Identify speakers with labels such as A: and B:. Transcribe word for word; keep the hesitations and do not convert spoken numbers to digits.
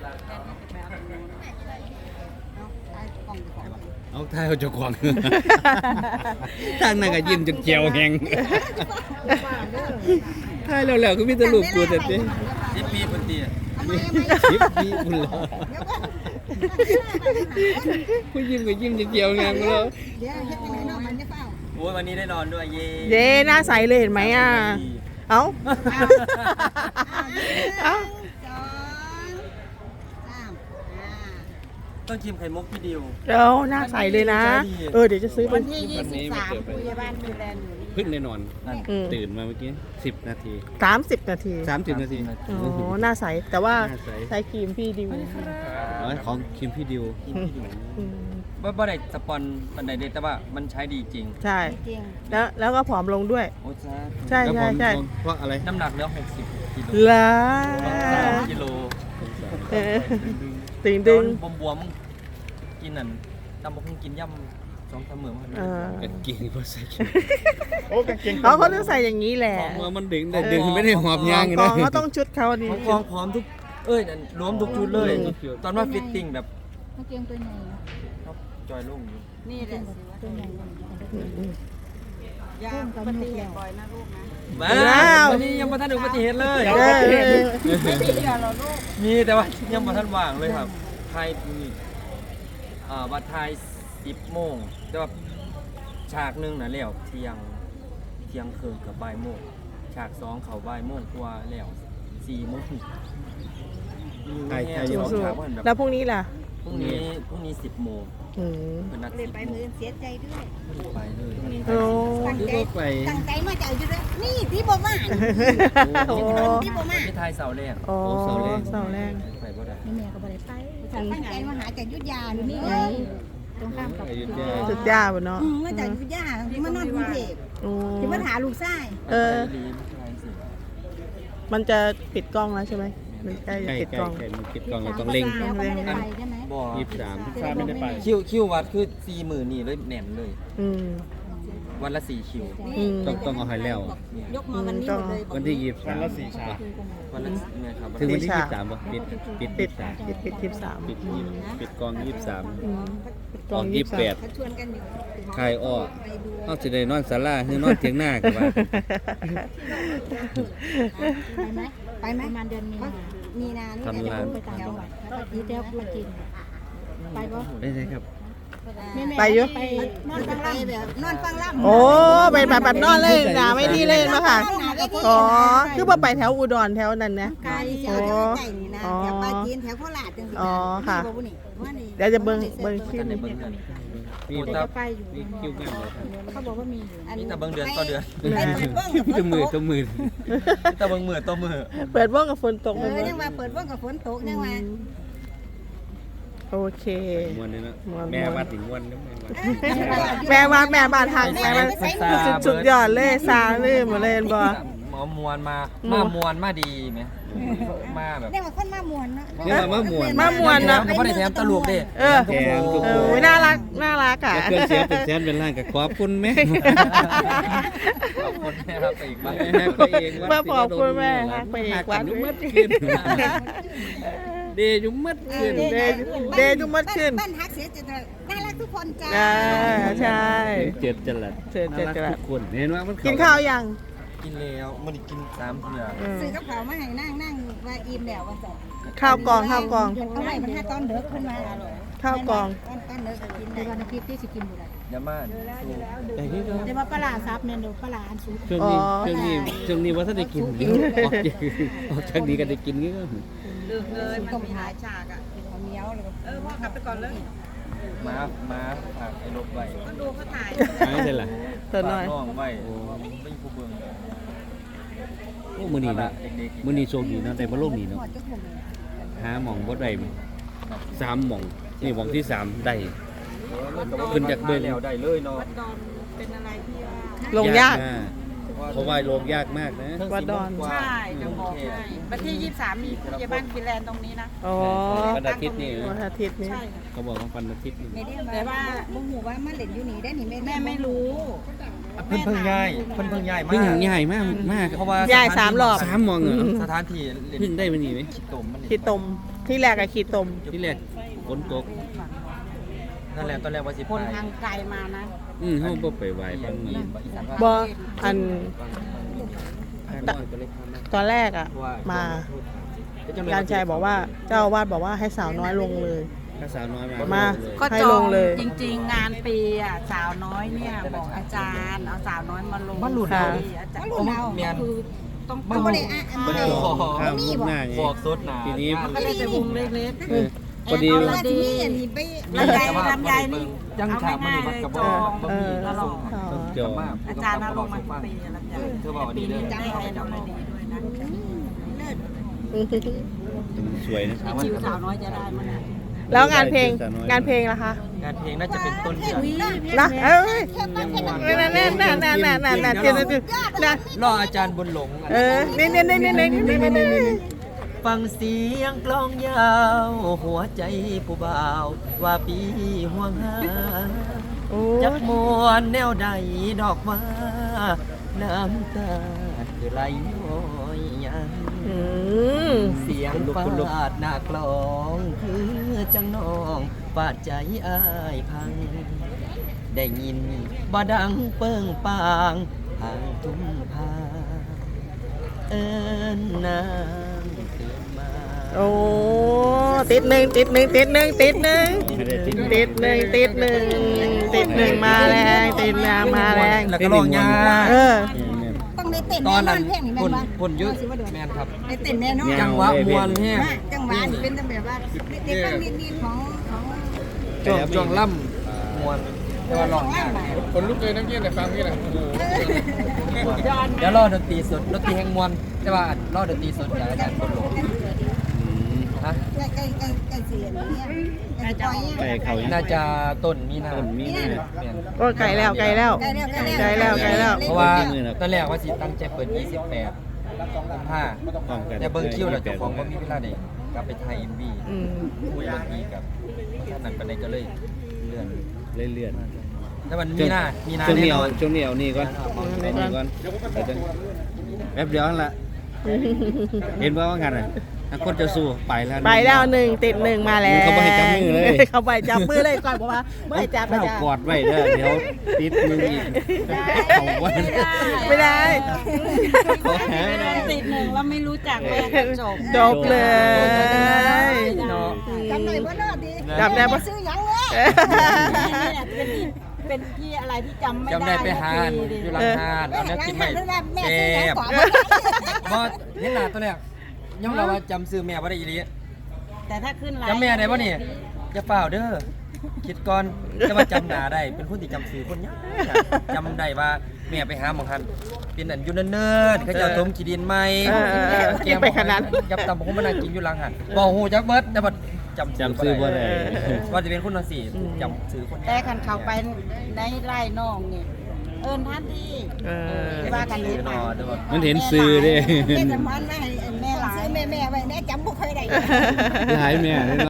A: เอาท้ายเอาเจ้าของทางนั้นก็ยิ้มจนเจียวแหงท้ายแล้วๆก็มีแต่รูปกูแต่เด้
B: สิบปีเพิ่นตี
A: สิบปีพุ่นแล้วผู้ยิ้มก็ยิ้มจนเจียวแหงแล้ว
C: เดี๋ยวเฮ็ดยังไงเนาะมันจะเฝ้า
B: โอ้ยวันนี้ได้นอนด้วยเย่
D: เย้หน้าใสเลยเห็นไหมอ่ะเอ้าเอ้า
B: ต้องชิมไข่มุกพี่ดิว
D: เดี๋ยวหน้าใสเลยนะเออเดี๋ยวจะซื้อไป
C: วันที่ยี่สิบสามพยาบาลดูแลอยู่นี่
A: เพิ่งได้นอนตื่นมาเมื่อกี้สิบนาที
D: สามสิบนาที
A: สามสิบนาที
D: อ๋อหน้าใสแต่ว่าใช้ครีมพี่ดิว
A: อ๋อของคิมพี่ดิว
D: อืม
B: บ่บ่ได้สปอนปันใดเด็ดแต่ว่ามันใช้ดีจริง
D: ใช่
C: จริง
D: แล้วแล้วก็ผอมลงด้วย
B: โอ้จ้า
D: ใช่ใช่ใช่
A: เพราะอะไร
B: น้ำหนักเหลือหกสิบกิโล
D: ล้า
B: สามกิโล
D: เออตึงดึง
B: บวมบวมๆกินนั่นตำบักหุ่งกินย่ำสองสามมื้อมา
D: เออ
A: กางเกงเพราะใส่
B: โอ้กางเกง
D: เขาเขาต้องใส่อย่างนี้แหละ
A: ของมันดึงได้ดึงไม่ได้หอบยาง
D: ก
A: นะ
D: องเขาต้องชุดเขาดี
B: ของกองพร้อมทุกเอ้ยนั่นรวมทุกชุดเลย ตอนว่าฟิตติ้งแบบ
C: เมื่อกี้ตัวใหญ่
B: จอยลงอยู่
C: นี่แหละตัวใหญ่ยาปฏิเหตุบ่อยนะลูกนะ
B: มาวันนี้ยังมาทันอุบัติเหตุเลย
D: เออ
C: ไม่มีเหรอลูก
B: มีแต่ว่ายังมาทันว่างเลยครับไทยนี่อ่าวัดไทยสิบโมงแต่ว่าฉากหนึ่งนะแล้วเที่ยงเที่ยงคืนกับบ่ายโมงฉากสองเขาบ่ายโมงกว่าแล้วสี่โมง
A: ไทยไทย
B: สอง
D: สู้
B: ฉากว่าแบบ
D: ๆแล้วพรุ่งนี้ล่ะ
B: พรุ่งนี้พรุ่งนี้สิบโมง
D: อืม
B: เป็นนัด
C: เลย
B: สิบ
C: ไป
B: โม
C: มื
B: ง
C: อเสียใจด้วย
B: ไปเลย
D: โอ้
C: ตั้ง
A: คือ
C: ใจ
A: ว่าไป
C: ตั้งใจมาจากอยู่ด้วยนี่ที่บ่มา
D: โอ้
C: ที่บ่มา
B: ที่ไทยเสาแรก
D: โอ้เสาแรง
B: ไปบ่ได้
C: แม่ก็บ่ได้ไปตั้งใจมาหาจากยุทธยาอยู่นี่ไงตรงข้ามกับ
D: สุดยอดเนาะ
C: อืมมาจากยุทธยาที่มานอนกรุงเทพ
D: โอ้
C: ที่มาหาลูกชาย
D: เออ
B: ดีไทยสิ
D: มันจะปิดกล้องแล้วใช่ไหมมันใกล้จะ
A: ใกล้
D: ปิด
A: ใก
D: ก
A: ล้
D: ล้อง
A: ใกล้มันปิดกล้องเราต้องเร่ง
C: แล้วก็ไม่ได้ไปใช่ไหม
B: บ่
A: ยี่สิบสาม
C: ฟ้าไม่ได้ไป
B: คิวคิววัดคือสี่หมื่นนี่เลยแหน่นเลย
D: อืม
B: วันละสี่คิว
D: อืม
A: ต้องต้องเอาให้แล้ว
C: ยกมาวันนี้หมดเลย
A: วันที่ยี่สิบสาม
B: วันละเนี่ยครับ
A: ถึงวันที่ยี่สิบสามป่ะปิดปิด
D: ปิ
A: ปิ
D: ด
A: ดสาม
D: ปิดปิดทิปสาม
A: ปิดยี่สิบปิดกองยี่สิบสาม
D: อืมปิดก
A: ก
D: ล้
A: อ
D: อง ง
A: ยี่
D: ยี่
A: สิ
D: สิ
A: บบ แป
D: แป
A: ด
D: ด
C: เขาชวนกันอยู่
A: ใครอ้อ
C: ไปดู
A: เอาสิได้นอนศาลาคือนอนเถียงหน้ากันว่า
C: ไปไหมไปไหมประมาณเดือนมีนามีนานี่
A: ทำร้าน
C: ไปต่างจังหวัดแล้วก็ทีเดียวมากินไปปะ
A: ได้ไหมครับ
D: ไปอยู่
C: ไปนอนฟังล่ำแบบนอนฟังล่ำ
D: โอ้ไปแบบแบบนอนเลยหนาไม่ดีเลยมาค่ะอ๋อคือว่าไปแถวอุดรแถวนั้นนะ
C: ไกลแถวใกล้นี่นะแถวปลาจีนแถวโคราชจังสิ
D: อ๋อค่ะ
C: นี่บ่นี่ว่านี่
D: เดี๋ยวจะเบิ่งเบิ่งคิว
B: กันในเบิ้งเดือน
A: มี
B: โอ้
A: ตั
B: ตา
A: บ
C: ไปอยู่
A: มีคิวงานเลยครับ
C: เขาบอกว่ามีอยู่
B: นี่แต่เบิ้งเดือนต่อเดือน
C: ไปเปิดเบิ้งกับฝ
A: ตัวน มือ
C: ต
A: ตัว
C: ก
A: มือ
B: นี่แต่เบิ้งมือต่อมือ
D: เปิดว่องกับฝนตก
C: เอ
D: ไปหม
C: อ
D: ด
C: ยังว่าเปิดเบิ้งกับฝนตกยังว่า
D: โอเค
A: มวนเลยนะ
D: ม่วน
A: แม่วัดถึงวันแล้วแม่วัด
D: แม่บ้านแม่บ้านทางแม่บ้านสุดสุดยอดเลยซาเลยหมดเลยบ่
B: หมอมวนมามามวนมาดีไหมมาแบบ
C: เรียกว่าคนมามวนเนาะ
A: เนี่ยมามวน
D: มามวนเนาะ
B: ก็ไม่ได้แถมตลกเด้
D: เออ
A: แถมทุก
D: เอ
A: ค
D: อน น่ารักน่ารักอ่ะ
A: แล้วเพื่อนเสียเป็นแสนเป็นล้านกับขอบคุณแม่
B: ขอบคุณนะครับไปอีกบ้าง
A: ไปเอง
D: มาขอบคุณแม่ฮักไปอีกวัด
A: ยุ่มัดขึ้นเดยุ่มัดขึ้น
D: เดย์เดย์ทุกมัดขึ้น
C: บ้านฮักเสียจะน่ารักทุกคนจ้า
D: อ่าใช่
A: เจ็ดจรัส
D: เจ็ดจรัส
A: น่ารักทุกคนเห็นว่ามัน
D: กินข้าวยัง
B: กินแล้วมันกินสามเถื่อ
D: อืม
C: ซื้อกับเขาวมาให้นั่งนั่งว่าอิ่มแล้วว่าจะ
D: ข้าวกล่องข้าวกล่อง
C: เอาไว้มันถ้าตอนเด็กขึ้นมา
D: ข้าวกล่อง
C: ตอนตอนเด็กกินได้วันอาทิตย์ที่สิกินอยู่ได้
B: ยามาสู้
A: แต่ที่เรา
C: เดี๋ยวว่าปลาซับเนี่ยเดี๋ยวปลาอันสูง
A: ช่วงนี้ช่วงนี้ช่วงนี้ว่าถ้าได้กินเดี๋ยวออกจากออกจากนี้ก็ได้กินงี้ก็
C: ลืมเลยมันมีหลายฉากอ่ะเขาเหนียวเลยเออพ่อกลับไปก่อนเลย
B: ม้าม้าฝากไอ้รถไว้
C: ก็ดูเขาถ่าย
A: ไม่ใช่ล่ะ
D: ตัวน้อย
B: ฝากน้องไว้ไม่ผู้เบิ่ง
A: โอ้มือนี้นะมือนี้โชคดีนะแต่มาโลกนี้เนาะ
C: หมดเจ้าของเลย
A: หาหม่องบ่ได้สามหม่องนี่หม่องที่สามได้ ขึ้นจากเบิ่ง
B: แล้วได้เลยเนาะ
C: วัดดอนเป็นอะไรที่ว่า
D: ลงยาก
A: ม
B: ว่า
A: เพราะว่าโลงยากมากนะ
D: วัดดอน
E: ใช่จะบอกให้วันที่ยี่สิบสามมีผู้ใหญ่บ้านฟินแลนด์ตรงนี้นะ
D: อ๋อ
A: วันอาทิตย์นี่
D: วันอาทิตย์นี้
E: ใช่ค่ะ
A: เขาบอกว่าวันอาทิตย์นี่
C: ไม่ได้แต่ว่าบุ้งหูว่ามันเล่นอยู่นี่ได้นี่
E: แม่ไม่รู้
B: เพิ่นเพิ่งย้ายเพิ่นเพิ่งย้ายมา
A: เพิ่งใหญ่มากมาก
B: เพราะว่า
D: ย้ายสามรอบ
A: สามมองเหรอ
B: สถานที่เล่น
A: เพิ่งได้มานี่ไหม
B: ขี้ตมมัน
D: ขีดตมที่แรกอะขีดตม
A: ที่แรกฝนตก
B: นั่นแหละตอนแรกว่าสิ
E: คนทางไกลมานะ
A: อืมเขาบ่ไปไหวบางมือ
D: บออัน
B: ตก็เลยพามา
D: ตอนแรกอะมาการชัยบอกว่าเจ้าอาวาดบอกว่าให้สาวน้อยลงเลย
A: ถ้าสาวน้อยมา
D: มา
A: เลย
E: ก็
D: ให้
E: จ
D: ล
E: อง
D: งเลย
E: จริง ๆ งานปีอ่ะสาวน้อยเนี่ยบอกอาจารย์เอาสาวน้อยมาลง
B: มาหลุด
D: ค่ะ
E: อาจารย์
C: รุ่นเรา
B: เมียน
E: คือต้อง
B: บ้า
C: บ่ได้อ่ะอัน
A: มัน
C: นี้
A: จะข้ามมุกหน้าไง
B: บอกสดหนา
A: ทีนี้
E: มันก็ได้แต่วงเล็ก
A: เออพอดี
C: เอาละที่นี่อันนี้ไป
E: ๆลำไยลำไยนี่
B: ยัง
E: เอา
B: ฉากมัน
E: ง่าย
B: นี่
E: ๆ
B: มัน
E: เลย
B: กับ
E: จ
B: บ่
E: อง
B: บ่มี
E: ตลอด
D: อ๋อ
A: ต้องจอง
E: อาจารย์เอาลงมาทุกปีลำไย
B: เธอบอกดีเด้อ
E: ได้ไอ้ลำไยดีด้วยนะ
A: สวยนะ
E: ชิวสาวน้อยจะได้มั้ยเนี่ย
D: แล้วงานเพลงงานเพลงล่ะคะ
B: งานเพลงน่าจะเป็นต้นเดือน
D: นะเอ้ยนั่นนั่นนั่นนั่นนั่นนั่นนั่นเจนเจนนะ
B: รออาจารย์บนหลง
D: เออนี่นี่นี่นี่นี่นี่นี่นี่
B: ฟังเสียงกลองยาวหัวใจผู้บ่าวว่าปีห่วงหา
D: โอ้
B: จักมวนแนวใดดอกว่าน้ำตาคือไหลย้อยยัง
D: อืม
B: เสียงฟาดหน้ากลองคือจังน้องฟาดใจอ้ายพัง ได้ยินบ่ดังเปิ้งปางทางทุ่งพาเอิ้นนางตื่นมา
D: โอ้ติดหนึ่งติดหนึ่งติดหนึ่งติดหนึ่งติดหนึ่งติดหนึ่งติดหนึ่งมาแรงติดหนึ่งมาแรง
B: แล้วก็ร้องยา
D: เออ
C: ต้องได้เต้น
B: ตอน
C: แน่นอ
B: นั้น
C: นเพลงนี่แม่
B: คน
C: นบ่
B: คนยุด
C: สิว่าโดน
B: แมนครับ
C: ได้เต้นแน่นอน
B: จังหวะมวนแห้ง
C: มาจังหวะนี่เป็นจังแบบว่าเด็กๆนิดๆของของ
B: ช่วงช่วงล่ำมวนแต่ว่าร้องยาก
F: คนลุกเลยน้ำเย็นแต่ฟังนี่แหละ
B: เดี๋ยวรอดนตรีสดดนตรีแห่งมวนแต่ว่ารอดนตรีสดจากอาจารย์คนหลงฮะ
C: ใกล้ใกล้ใกล้ใกล้เสียเนี่ยใกล้จะปล่อย
A: ไปเขายัง
B: น่าจะต้นมีนา
A: ต้นมีนา
B: แม่น
D: โอ้ไกลแล้วไกลแล้ว
C: ใกล้แล้วใกล้
D: ไกลแล้วไกลแล้ว
B: เพราะว่าตอนแรกว่าสิตั้งใจเปิดยี่สิบแปดกุมภา
A: พร้อมกัน
B: แต่เบิ่งคิวแล้วเจ้าของบ่มีเวลาได้กลับไปถ่าย เอ็ม วี
D: อืม
B: คุยดนตรีกับท่านนั้นปานใดก็เลยเลื่อน
A: เลื่อน
B: แต่มันมีนามีนา
A: ช่วง
B: แน่
A: นี้
B: น
A: เอา
B: อน
A: ช่วงนี้เอานี่ก่อนเอานี่ก่อนเดี๋ยวจะแป๊บเดียวนั่นละเห็นว่าว่างันอ่ะนักคนจะสู้ไปแล้ว
D: ไปแล้วหนึ่งติดหนึ่งมาแล้ว
A: เขาบ่ให้จับมือเลย
D: เขาไปจับมือเลยก่อนบอกว่าไม่ให้จับไม่
A: ข้าว
D: จับ
A: กอดไว้เด้อเดี๋ยวติดมืออีกเอาไว้
D: ไม่ได้
A: เขาหา
E: ติดหนึ่งแล้วไม่รู้จักแม่ก็จบ
D: จบเลย
B: เนาะ
C: จำหน่อยบ่เนาะดี
D: จำได้ปะ
C: ซื้อหยังเลย
E: เนี่ยเป็นเป็นที่อะไรที่จำไม่ได้
B: จำได้ไปหาอยู่หลังหานเอาแนวกินใหม่
C: แม่
B: แซ่
C: ซื้อหยัง
B: บ
C: ก่อน
B: บ่เห็นหน้าตัวแรกยอมรับว่าจำซื้อแม่บ่ได้อีหลี
E: แต่ถ้าขึ้นไลน์
B: จำแม่ได้บ่นี่อย่าเปล่าเด้อคิดก่อนจะมาจำหน้าได้เป็นคนที่จำซื้อคนยากจำได้ว่าแม่ไปหาหมองหันเป็นอันอยู่เนิ่นๆเขาเจะต้มขี้ดินใหม่
D: เออเออเออ
B: แกง
D: ไปขนาด
B: ยับตำผมมานั่งกินอยู่หลังหันบ่ฮู้จักเบิดแต่บ่จำ
A: จำซื้อบ่ได้
B: ว่าจะเป็นคนจังซี่จำซื้อคน
E: แต่คันเขาไปในไร่น้องนี่เอิ้นท่านที่
D: เออ
E: ว่ากัน
B: ซื้
E: นี้
B: อ
E: ไป
B: นอเด้อ
A: มันเห็นซื้อเด้
C: แม่สมอนไว้ให้แม่ซื้อแม่แม่ไว้แม่จำบ่ค่อยได้
A: หลายแม่เลย